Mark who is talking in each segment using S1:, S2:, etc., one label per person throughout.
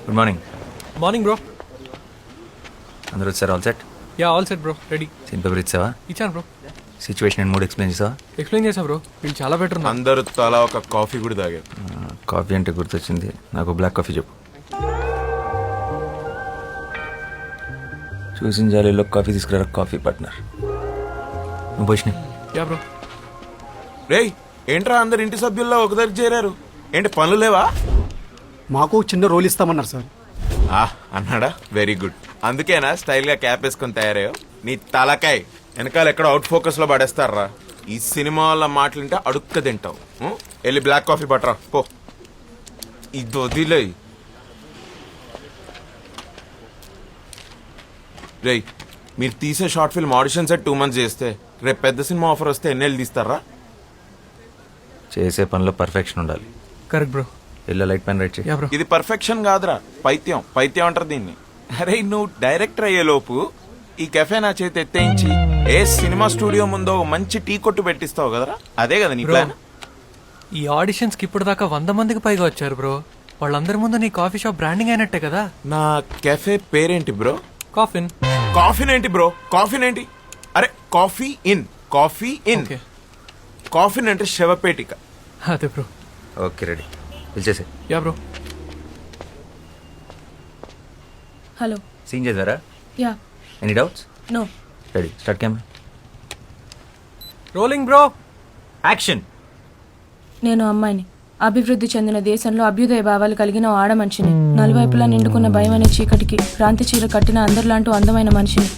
S1: Good morning.
S2: Morning bro.
S1: అందరూ వచ్చారు? All set?
S2: Yeah all set bro, ready.
S1: Scene paper ఇచ్చావా?
S2: ఇచ్చాను bro.
S1: Situation and mood explain చేసావా?
S2: Explain చేసా bro, వీళ్ళు చాలా బెటర్ ఉన్నారు.
S3: అందరూ తలా ఒక కాఫీ కూడా తాగారు.
S1: కాఫీ అంటే గుర్తొచ్చింది, నాకు బ్లాక్ కాఫీ చెప్పు. చూసిన జాలీలో కాఫీ తీసుకురా కాఫీ పార్ట్నర్. నువ్వు పోషిని.
S2: Yeah bro.
S3: రేయ్ ఏంట్రా అందరు ఇంటి సభ్యుల్లో ఒక దగ్గర చేరారు, ఏంటి పనులు లేవా?
S4: మాకు చిన్న రోల్ ఇస్తామన్నారు సార్.
S3: అన్నాడా? Very good. అందుకేనా స్టైల్గా క్యాప్ వేసుకొని తయారయ్యో? నీ తలకాయ్ వెనకాల ఎక్కడ అవుట్ ఫోకస్లో పడేస్తారా? ఈ సినిమా వాళ్ళ మాటలుంటే అడుక్క తింటావు. వెళ్ళి బ్లాక్ కాఫీ పట్టరా పో. ఇది వదిలే. రేయ్ మీరు తీసే short film audition set 2 months చేస్తే రేపు పెద్ద సినిమా ఆఫర్ వస్తే ఎన్నేళ్ళు తీస్తారా?
S1: చేసే పనిలో పర్ఫెక్షన్ ఉండాలి.
S2: Correct bro.
S1: ఇలా లైట్ పెన్ రైట్ చేయి.
S2: Yeah bro.
S3: ఇది పర్ఫెక్షన్ కాదురా, పైత్యం. పైత్యం అంటారు దీన్ని. అరే నువ్వు డైరెక్టర్ అయ్యేలోపు ఈ కెఫే నా చేతి ఎత్తేయించి ఏ సినిమా స్టూడియో ముందో మంచి టీ కొట్టు పెట్టిస్తావు కదరా, అదే కదా నీ ప్లాన్?
S2: ఈ ఆడిషన్స్కి ఇప్పుడు దాకా 100 మందికి పైగా వచ్చారు బ్రో. వాళ్ళందరి ముందు నీ కాఫీ షాప్ బ్రాండింగ్ అయినట్టే కదా.
S3: నా కెఫే పేరేంటి బ్రో?
S2: కాఫిన్.
S3: కాఫీన్ ఏంటి బ్రో? కాఫీన్ ఏంటి? అరే coffee in, coffee in.
S2: Okay.
S3: Coffin అంటే శవపేటిక.
S2: అదే బ్రో.
S1: ఓకే రెడీ, పిలిచేసే.
S2: Yeah bro.
S5: హలో.
S1: సీన్ చేద్దారా?
S5: Yeah.
S1: Any doubts?
S5: No.
S1: Ready, start camera.
S2: Rolling bro.
S1: Action.
S5: నేను అమ్మాయిని, అభివృద్ధి చెందిన దేశంలో అభ్యుదయ భావాలు కలిగిన ఓ ఆడ మనిషిని, నలువైపులా నిండుకున్న భయం అనే చీకటికి క్రాంతి చీర కట్టిన అందరిలాంటి అందమైన మనిషిని.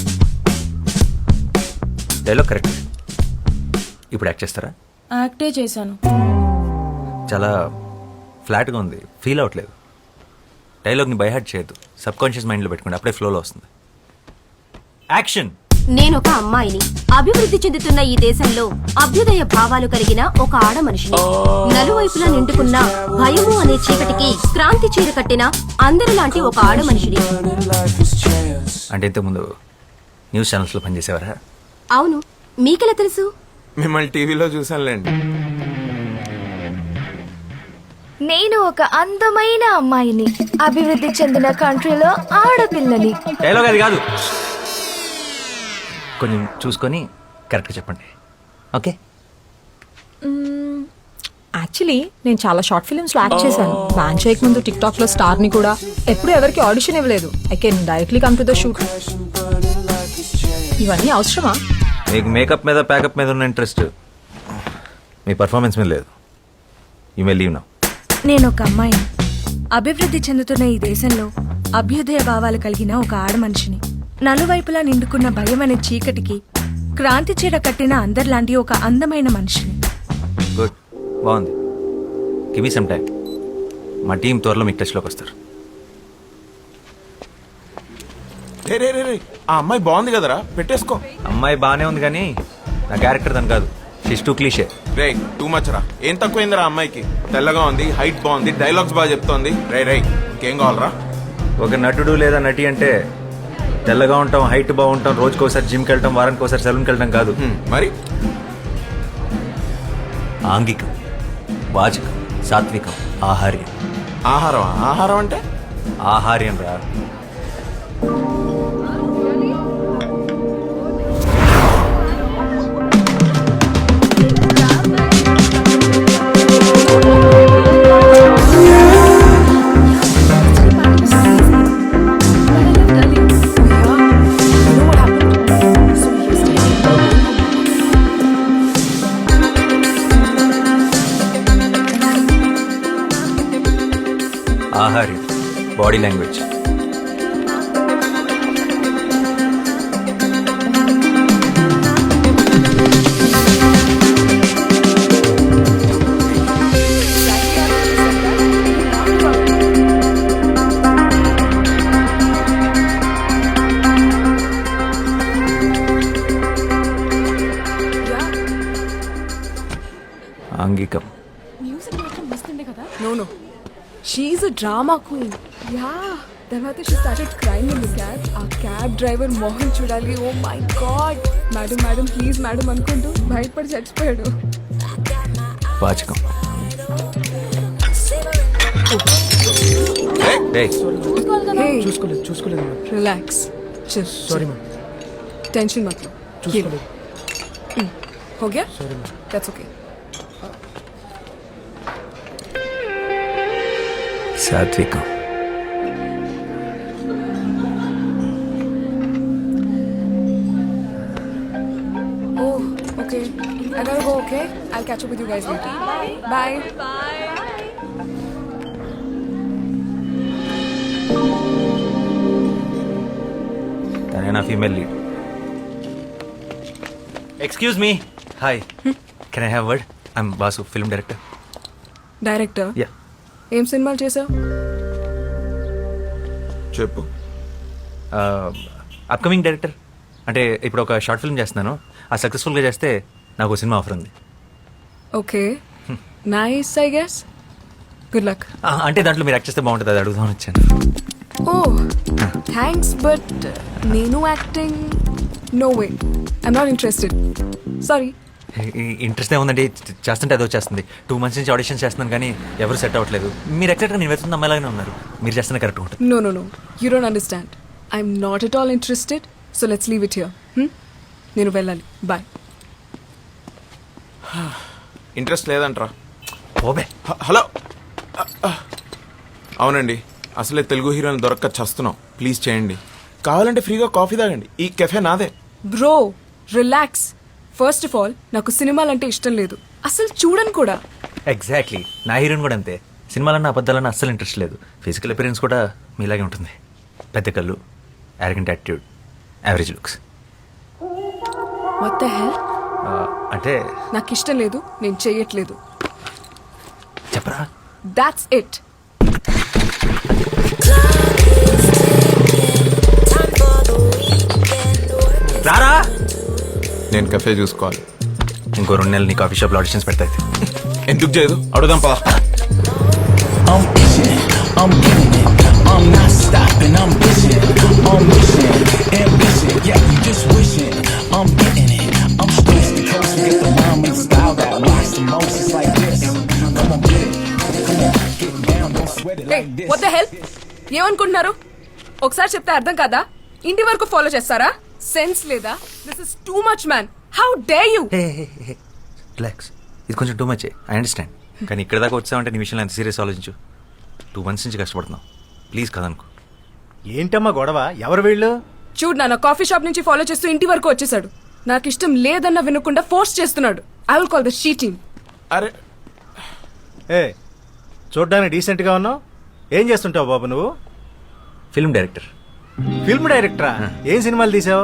S1: Dialogue correct. ఇప్పుడు యాక్ట్ చేస్తారా?
S5: యాక్టే చేశాను.
S1: చాలా ఫ్లాట్గా ఉంది, ఫీల్ అవ్వట్లేదు. డైలాగ్ని బైహార్ట్ చేయొద్దు, సబ్ కాన్షియస్ మైండ్లో పెట్టుకోండి, అప్పుడే ఫ్లోలో వస్తుంది. యాక్షన్.
S6: నేనొక అమ్మాయిని, అభివృద్ధి చెందుతున్న ఈ దేశంలో అభ్యుదయ భావాలు కలిగిన ఒక ఆడ మనిషిని, నలువైపులా నిండుకున్న భయము అనే చీకటికి క్రాంతి చీర కట్టిన అందరిలాంటి ఒక ఆడ మనిషిని.
S1: అంటే ఇంతకుముందు న్యూస్ ఛానల్స్లో పనిచేసేవారా?
S6: అవును, మీకెలా తెలుసు?
S3: మిమ్మల్ని టీవీలో చూసానులేండి.
S7: నేను ఒక అందమైన అమ్మాయిని, అభివృద్ధి చెందిన కంట్రీలో ఆడపిల్లని.
S1: డైలాగ్ అది కాదు, కొంచెం చూసుకొని కరెక్ట్గా చెప్పండి. ఓకే.
S8: యాక్చువల్లీ నేను చాలా షార్ట్ ఫిల్మ్స్లో యాక్ట్ చేశాను. బ్యాన్ చేయక ముందు టిక్ టాక్లో స్టార్ని కూడా. ఎప్పుడు ఎవరికి ఆడిషన్ ఇవ్వలేదు. I can directly come to the shoot. ఇవన్నీ అవసరమా?
S1: మీకు మేకప్ మీద ప్యాకప్ మీద ఉన్న ఇంట్రెస్ట్ మీ పర్ఫార్మెన్స్ మీద లేదు. You may leave now.
S7: నేను ఒక అమ్మాయిని, అభివృద్ధి చెందుతున్న ఈ దేశంలో అభ్యుదయ భావాలు కలిగిన ఒక ఆడ మనిషిని, నలువైపులా నిండుకున్న భయం అనే చీకటికి క్రాంతి చీర కట్టిన అందరిలాంటి ఒక అందమైన మనిషిని.
S1: గుడ్, బాగుంది. Give me some time. మా టీం త్వరలో మీకు టచ్లోకి వస్తారు.
S3: రే రే రే రే, ఆ అమ్మాయి బాగుంది కదరా, పెట్టేసుకో.
S1: అమ్మాయి బాగానే ఉంది కానీ నా క్యారెక్టర్ దాని కాదు. She's too cliche.
S3: రే టూ మచ్ రా. ఏం తక్కువైందిరా అమ్మాయికి? తెల్లగా ఉంది, హైట్ బాగుంది, డైలాగ్స్ బాగా చెప్తోంది. రే రే ఇంకేం కావాలరా?
S1: ఒక నటుడు లేదా నటి అంటే తెల్లగా ఉంటాం, హైట్ బాగుంటాం, రోజుకోసారి జిమ్కి వెళ్ళటం, వారానికి ఒకసారి సెలూన్కి వెళ్ళటం కాదు.
S3: మరి
S1: ఆంగికం, వాచకం, సాత్వికం, ఆహార్యం.
S3: ఆహారం? ఆహారం అంటే
S1: ఆహార్యం రా. ఆహార్యం, బాడీ లాంగ్వేజ్. ఆంగికం.
S8: No. She's a drama queen.
S7: Yeah, తర్వాత she started crying in the cab. ఆ క్యాబ్ డ్రైవర్ మోహన్ చూడాలి. Oh my god, madam madam please madam అనుకుంటూ బయటపడి చచ్చిపోయాడు.
S1: వాచకం. ఏయ్,
S4: చూసుకోలేదు
S7: రిలాక్స్
S4: సారీ మ్యామ్
S7: टेंशन मत लो
S4: చూసుకోలేదు
S7: हो गया
S4: సారీ మ్యామ్
S7: दैट्स ओके
S1: సాత్వికం.
S7: Oh okay I gotta go okay I'll catch up with you guys later bye
S1: తనే నా female lead. Excuse me. Hi, can I have word? I'm Basu, film director.
S7: Director
S1: yeah.
S7: ఏం సినిమాలు చేసావు
S3: చెప్పు.
S1: Upcoming director. అంటే ఇప్పుడు ఒక షార్ట్ ఫిల్మ్ చేస్తున్నాను. ఆ సక్సెస్ఫుల్గా చేస్తే నాకు ఒక సినిమా ఆఫర్ ఉంది.
S7: Okay nice I guess good luck
S1: అంటే దాంట్లో మీరు యాక్ట్ చేస్తే బాగుంటుంది, అది అడుగుదామని వచ్చాను.
S7: ఓ థ్యాంక్స్ బట్ నేను acting no way I'm not interested sorry
S1: interest ఏముందండి, చేస్తుంటే అది వచ్చేస్తుంది. 2 months నుంచి ఆడిషన్ చేస్తున్నాను కానీ ఎవరు సెట్ అవ్వట్లేదు. మీరు ఎగ్జాక్ట్గా నేను వెతున్న అమ్మాయిలాగానే ఉన్నారు. మీరు చేస్తున్న కరెక్ట్ ఉంటుంది.
S7: No, you don't understand. I'm not at all interested, so let's leave it here. నేను వెళ్ళాలి బాయ్
S3: ఇంట్రెస్ట్ లేదంట్రా.
S1: ఓబే.
S3: హలో. అవునండి, అసలే తెలుగు హీరోని దొరక్క చస్తున్నాం. ప్లీజ్ చేయండి. కావాలంటే ఫ్రీగా కాఫీ తాగండి. ఈ కెఫే నాదే.
S7: Bro relax first of all నాకు సినిమాలంటే ఇష్టం లేదు అసలు చూడను కూడా
S1: ఎగ్జాక్ట్లీ, నా హీరోయిన్ కూడా అంతే. సినిమాలన్నా అబద్ధాలన్నా అస్సలు ఇంట్రెస్ట్ లేదు. ఫిజికల్ అపిరెన్స్ కూడా మీలాగే ఉంటుంది. పెద్ద కళ్ళు, arrogant attitude, average looks.
S7: What the hell
S1: అంటే
S7: నాకు ఇష్టం లేదు నేను చెయ్యట్లేదు
S1: చెప్పరా.
S7: దాట్స్ ఇట్
S1: రారా.
S3: నేను కెఫే చూసుకోవాలి.
S1: ఇంకో 2 నెలలు నీ కాఫీ షాప్లో ఆడిషన్స్ పెడతాయి.
S3: ఎందుకు చేయదు? అడుగుదాం పద.
S9: I'm itching, I'm getting it, I'm not stopping, I'm pushing, I'm wishing, ambition, yeah, you just wishing, I'm getting it, I'm stressed to coast, get the rhyme and style that rocks the most, it's like this, come on get it, come on, get down, don't sweat it like this.
S7: What the hell ఏమనుకుంటున్నారు ఒకసారి చెప్తే అర్థం కాదా ఇంటి వరకు follow చేస్తారా sense లేదా this is too much man how dare you
S1: relax, ఇది కొంచెం టూ మచ్. I understand. కానీ ఇక్కడ దాకా వచ్చామంటే నీ విషయంలో ఎంత సీరియస్ ఆలోచించు. 2 months నుంచి కష్టపడుతున్నావు. ప్లీజ్ కదనుకో.
S10: ఏంటమ్మా గొడవ? ఎవరు వీళ్ళు?
S7: చూడు నాన్న కాఫీ షాప్ నుంచి ఫాలో చేస్తూ ఇంటి వరకు వచ్చేసాడు నాకు ఇష్టం లేదన్న వినకుండా ఫోర్స్ చేస్తున్నాడు I will call the sheeting
S3: అరే
S10: ఏ చూడ్డానికి డీసెంట్గా ఉన్నావు. ఏం చేస్తుంటావు బాబు నువ్వు?
S1: Film director.
S10: ఫిల్మ్ డైరెక్టరా? ఏం సినిమాలు తీసావు?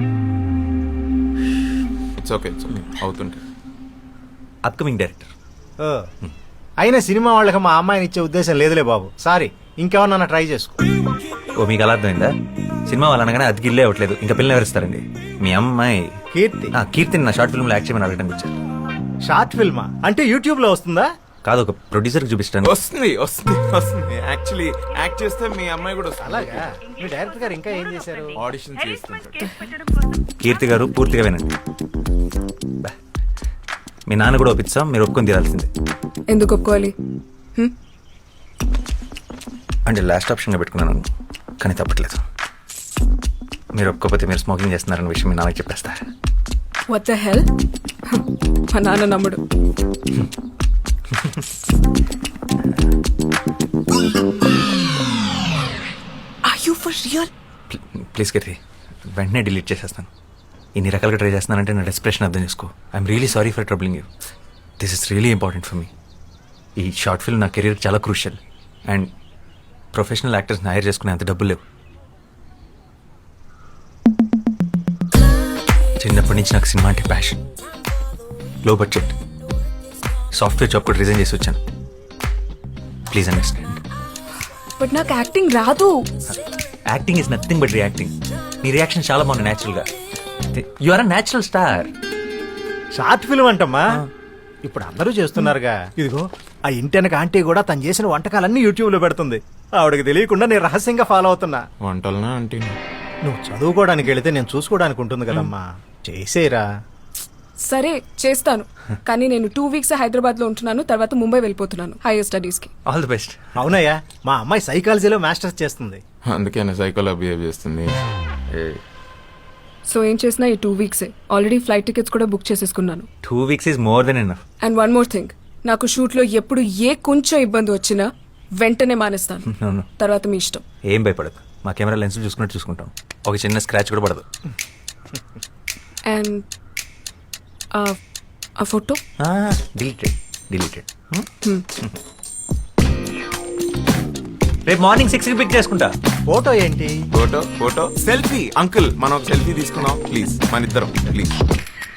S3: ఇట్స్ ఓకే అవుతుంటే.
S1: Upcoming director.
S10: ఓ, అయినా సినిమా వాళ్ళకి మా అమ్మాయిని ఇచ్చే ఉద్దేశం లేదులే బాబు. సారీ, ఇంకేమన్నా ట్రై చేసుకో.
S1: ఓ, మీకు అలా అర్థమైందా? సినిమా వాళ్ళు అనగానే అది గిల్లే అవ్వట్లేదు. ఇంకా పిల్లలు ఎవరిస్తారండి? మీ అమ్మాయి
S10: కీర్తి.
S1: కీర్తిని నా షార్ట్ ఫిల్మ్లో యాక్ట్ చేయమని అడగడానికి వచ్చారు.
S10: షార్ట్ ఫిల్మా? అంటే యూట్యూబ్లో వస్తుందా?
S1: కాదు, ఒక ప్రొడ్యూసర్కి చూపిస్తాను.
S3: వస్తుంది వస్తుంది వస్తుంది. యాక్చువల్లీ యాక్ట్ చేస్తే మీ అమ్మాయి కూడా వస్తుంది.
S10: అలాగా? మీ డైరెక్టర్ గారు ఇంకా ఏం చేశారు?
S3: ఆడిషన్ చేస్తుంటాడు.
S1: కీర్తి గారు పూర్తిగా వినండి. బా. మీ నాన్న కూడా ఒప్పిస్తాం, మీరు ఒప్పుకొని తీరాల్సిందే.
S7: ఎందుకు ఒప్పుకోవాలి
S1: అంటే లాస్ట్ ఆప్షన్గా పెట్టుకున్నాను, కానీ తప్పట్లేదు. మీరు ఒప్పుకోకపోతే మీరు స్మోకింగ్ చేస్తున్నారన్న విషయం మీ నాన్నకి చెప్పేస్తారు.
S7: వాట్ ద హెల్ మా నాన్న నమ్ముడు are you for real
S1: please Keerthi, వెంటనే డిలీట్ చేసేస్తాను. ఇన్ని రకాలుగా ట్రై చేస్తున్నానంటే నా డెస్ప్రెషన్ అర్థం చేసుకో. I'm really sorry for troubling you. This is really important for me. ఈ షార్ట్ ఫిల్మ్ నా కెరీర్ చాలా క్రూషియల్. అండ్ ప్రొఫెషనల్ యాక్టర్స్ని హైర్ చేసుకునే అంత డబ్బులు లేవు. చిన్నప్పటి నుంచి నాకు సినిమా అంటే passion. Low budget software job కూడా రిజైన్ చేసి వచ్చాను. Please understand.
S7: బట్ నాకు యాక్టింగ్ రాదు.
S1: Acting is nothing but reacting. నీ రియాక్షన్ చాలా బాగుంది న్యాచురల్గా. You are a natural star.
S10: Short film అంటమ్మా, ఇప్పుడు అందరూ చేస్తున్నారుగా. ఇదిగో ఆ ఇంటెనక ఆంటీ కూడా తను చేసిన వంటకాలన్నీ యూట్యూబ్లో పెడుతుంది. ఆవిడకి తెలియకుండా నేను రహస్యంగా ఫాలో అవుతున్నా.
S3: వంటలనా అంటే
S10: నువ్వు చదువుకోవడానికి వెళితే నేను చూసుకోవడానికి ఉంటుంది కదమ్మా. చేసేరా.
S11: సరే చేస్తాను, కానీ నేను 2 వీక్స్ హైదరాబాద్ లో ఉంటున్నాను, తర్వాత ముంబై వెళ్ళిపోతున్నాను హైయర్ స్టడీస్ కి.
S1: All the best.
S10: అవునయ్యా, మా అమ్మాయి సైకాలజీలో మాస్టర్స్ చేస్తుంది.
S3: అందుకే నా సైకోలో బిహేవ్ చేస్తుంది.
S11: సో ఏం చేసినా ఈ 2 వీక్సే. ఆల్రెడీ ఫ్లైట్ టికెట్స్ కూడా బుక్ చేసేసుకున్నాను.
S1: 2 weeks is more than enough.
S11: And one more thing, నాకు షూట్ లో ఎప్పుడు ఏ కొంచెం ఇబ్బంది వచ్చినా వెంటనే మానేస్తాను.
S1: అవును,
S11: తర్వాత మీ ఇష్టం.
S1: ఏం భయపడదు, మా కెమెరా లెన్స్ చూసుకున్నట్టు చూసుకుంటాం. ఒక చిన్న స్క్రాచ్ కూడా పడదు.
S11: అండ్ ఆ ఫోటో
S1: డిలీటెడ్. రేపు మార్నింగ్ 6కి పిక్ చేసుకుంటా.
S10: ఫోటో ఏంటి?
S3: Photo selfie. అంకుల్ మనం ఒక సెల్ఫీ తీసుకున్నాం ప్లీజ్, మన ఇద్దరం ప్లీజ్.